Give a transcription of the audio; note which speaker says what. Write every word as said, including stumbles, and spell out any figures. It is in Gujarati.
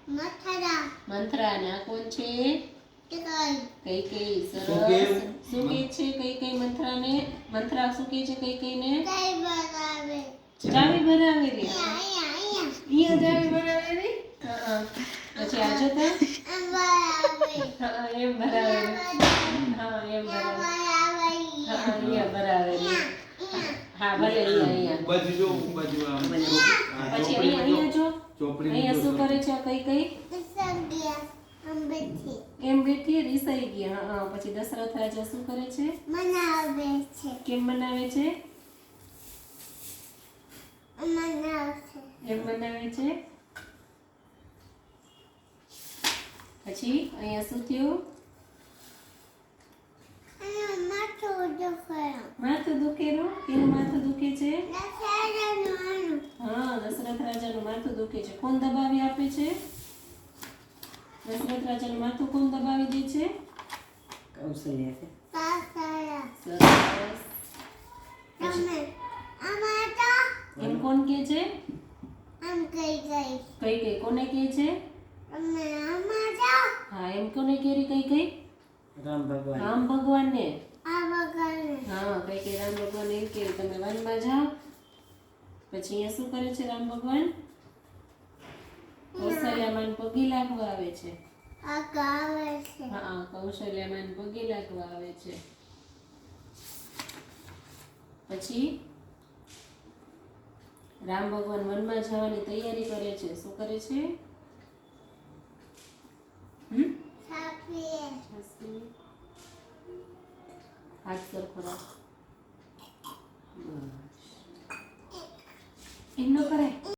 Speaker 1: મંથરા
Speaker 2: મંથરા ને આ કોણ છે કઈ કઈ સરસ
Speaker 3: શું કે?
Speaker 2: શું કે છે કઈ કઈ મંથરા ને મંથરા શું કે છે કઈ કઈ ને
Speaker 1: કઈ બનાવે
Speaker 2: ચાવી ભરાવે રે
Speaker 1: અહીંયા અહીંયા
Speaker 2: અહીંયા ચાવી ભરાવે રે હા પછી આ જોતા
Speaker 1: બનાવે
Speaker 2: હા એમ ભરાવે રે હા એમ ભરાવે હા અહીંયા ભરાવે રે હા ભલે અહીંયા અહીંયા
Speaker 3: બાજુ જો બાજુ આમ આ
Speaker 2: પછી
Speaker 3: ચોપડી
Speaker 2: અહીંયા અહીંયા જો
Speaker 3: ચોપડી
Speaker 2: અહીંયા શું કરે છે આ કઈ કઈ
Speaker 1: સંગ્યા અંબેથી
Speaker 2: એમ બેઠી રીસાઈ ગયા હા હા પછી દશરથ રાજા શું કરે છે
Speaker 1: મનાવે છે
Speaker 2: કેમ બનાવે છે
Speaker 1: મનાવશે
Speaker 2: એમ બનાવે છે પછી અહીંયા શું થયું
Speaker 1: અને માથું દુખાય
Speaker 2: માથું દુખેલું કેનું માથું દુખે છે
Speaker 1: દશેરાનું
Speaker 2: હા દશરથ રાજાનું માથું દુખે છે કોણ દબાવી આપે છે દશરથ રાજાનું માથું કોણ દબાવી દે છે કૌશલ્યા છે
Speaker 1: સાસરા
Speaker 2: સરસ
Speaker 1: તમે આમાં તો
Speaker 2: એમ કોણ કે છે
Speaker 1: આમ કઈ ગઈ
Speaker 2: કઈ કઈ કોને કે છે
Speaker 1: તમે આમાં તો
Speaker 2: હા એમ કોને કેરી કઈ કઈ
Speaker 4: રામ ભગવાન
Speaker 2: રામ ભગવાનને
Speaker 1: આ વગર
Speaker 2: હા કઈ કઈ રામ ભગવાન એમ કે તમે વનમાં જાઓ પછી અહીંયા શું કરે છે રામ ભગવાન કૌશલ્યામાન પગે લાગવા આવે છે
Speaker 1: આ ગાવે છે
Speaker 2: હા કૌશલ્યામાન પગે લાગવા આવે છે પછી રામ ભગવાન વનમાં જવાની તૈયારી કરે છે શું કરે છે હમ
Speaker 1: સાપીએ
Speaker 2: હાથ સરખો રાખ બસ એમ ન કરાય